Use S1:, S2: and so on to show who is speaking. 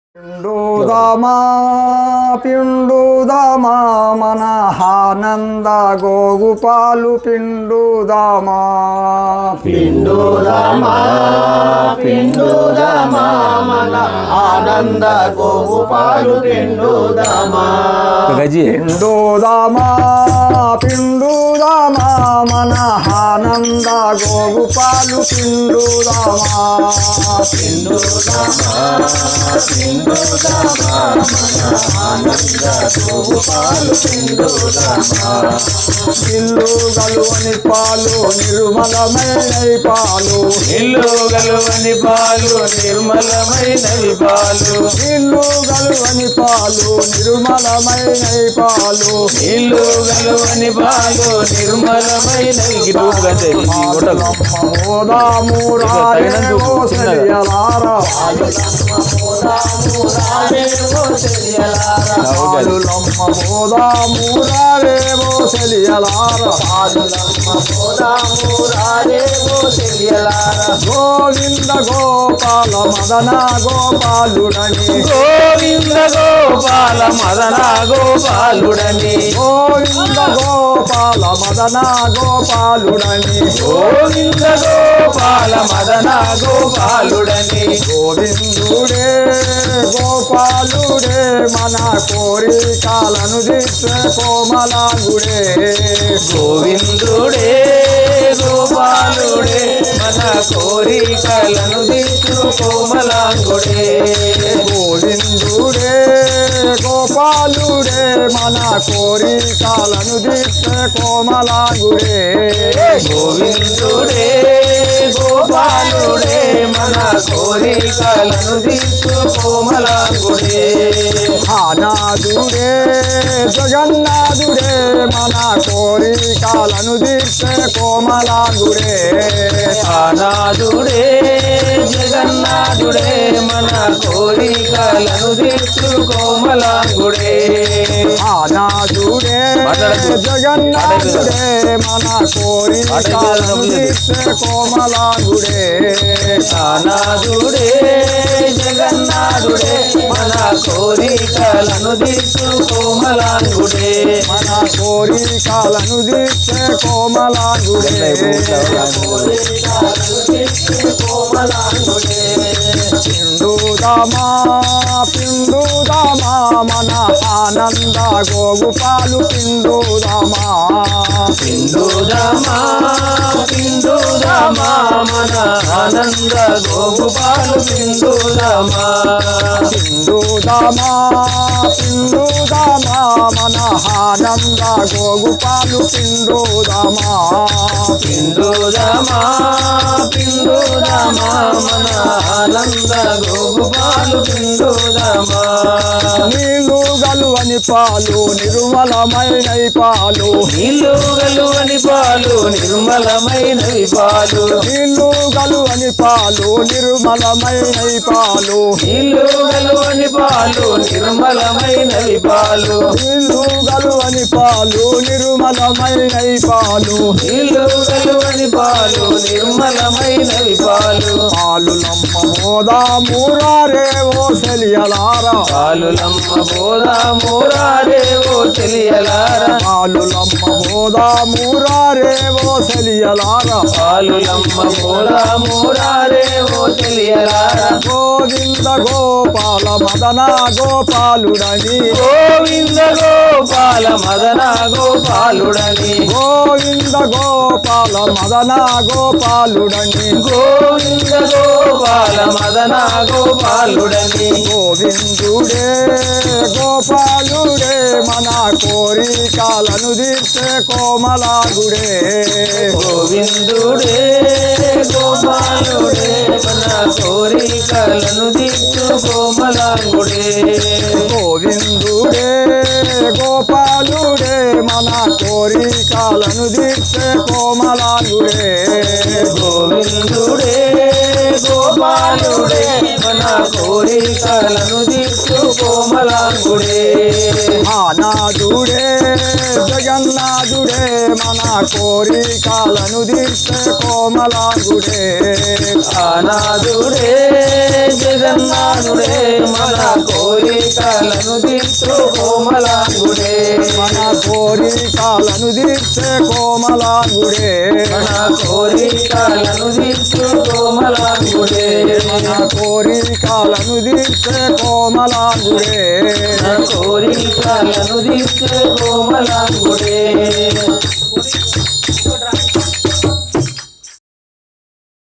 S1: పిండుదమా పిండుదమా మన ఆనంద గోగుపాలు పిండుదమా
S2: పిండుదమా పిండుదమా మన ఆనంద గోగుపాలు పిండుదమా
S1: పిండుదమా పిండుదమా మన ఆనంద గోగుపాలు పిండుదమా
S2: పిండుదమా పిండుదమా మన ఆనంద గోగుపాలు పిండుదమా
S1: ఇల్లు గలువని పాలు నిర్మలమైన పాలు
S2: ఇల్లు గలువని పాలు నిర్మలమైనవి పాలు
S1: ఇల్లు గలువని పాలు నిర్మలమైన పాలు
S2: ఇల్లు గలువని పాలు నిర్మలమైనవి
S1: గోవింద గోపాల మదన గోపాలుడని
S2: గోవింద గోపాల మదన గోపాలుడని
S1: గోవింద గోపాల మదన గోపాలుడని
S2: గోవింద గోపాల మదన గోపాలుడని
S1: గోవిందుడే గోపాలుడే మన కోరికలను దిత్తే కోమలాంగుడే
S2: గోవిందుడే గోపాలుడే మన కోరికలను దిక్కు కోమలాంగుడే
S1: గోవిందుడే గోపాలుడే మన కోరికలను దిత్తే కోమలాంగుడే
S2: గోవిందుడే గోపాలుడే మన కోరికలను దిక్కు కోమలాంగుడే
S1: ఆనాదుడే జగన్నాథుడే మన కోరికలను దిత్తే కోమలాంగుడే
S2: ఆనాదుడే జగన్నాథుడే మన కోరికలను దిక్కు కోమలాంగుడే
S1: ఆనాదుడే జగన్నాథుడే మన కోరికలను దిత్తే కోమలాంగుడే
S2: ఆనాదుడే జగన్నాథుడే మన కోరికలను దిక్కు కోమలాంగుడే
S1: మన కోరికలను దిత్తే కోమలాంగుడే పిండుదమా పిండుదమా మన ఆనంద గోగుపాలు పిండుదమా
S2: పిండుదమా పిండుదమా మన ఆనంద గోగుపాలు పిండుదమా
S1: పిండుదమా పిండుదమా మన ఆనంద గోగుపాలు పిండుదమా
S2: పిండుదమా పిండుదమా మన ఆనంద గోగుపాలు పిండుదమా
S1: నీళ్ళు గలువని పాలు నిర్మలమైన పాలు
S2: నీళ్ళు గలువని పాలు నిర్మలమైనవి పాలు
S1: నీళ్ళు గలువని పాలు నిర్మలమైన పాలు
S2: నీళ్ళు గలువని పాలు నిర్మలమైనవి పాలు
S1: నీళ్ళు గలువని పాలు నిర్మలమైన పాలు
S2: నీళ్ళు గలువని పాలు నిర్మలమైనవి పాలు
S1: పాలులమ్మ మోదామురారే ఓ సెలియలారా
S2: పాలులమ్మ బోధామురారే ఓ తెలియలారా
S1: పాలులమ్మ మోదామురారే ఓ సెలియలారా
S2: పాలులమ్మ బోధామురారే ఓ తెలియలారా
S1: గోవింద గోపాల మదన గోపాలుడని
S2: గోవింద గోపాల మదన గోపాలుడని
S1: గోవింద గోపాల మదన గోపాలుడని
S2: గోవింద గోపాల మదన గోపాలుడని
S1: గోవిందుడే గోపాలుడే మన కోరికలను దిత్తే కోమలాగుడే
S2: గోవిందుడే గోపాలుడే మన కోరికలను దిక్కు కోమలాంగుడే
S1: గోవిందుడే గోపాలుడే మన కోరికలను దిత్తే కోమలాగుడే
S2: గోవిందుడే గోపాలుడే మన కోరికలను దిక్కు కోమలాంగుడే
S1: ఆనాదుడే జగన్ జగన్నాథుడే మన కోరికలను తీర్చే కోమలాంగుడే
S2: ఆనాథుడే జగన్నాథుడే మన కోరికలను తీర్చు కోమలాంగుడే
S1: మన కోరికలను తీర్చే కోమలాంగుడే
S2: మన కోరికలను తీర్చు కోమలాంగుడే
S1: మన కోరికలను తీర్చే కోమలాంగుడే
S2: మన కోరికలను తీర్చు కోమలాంగుడే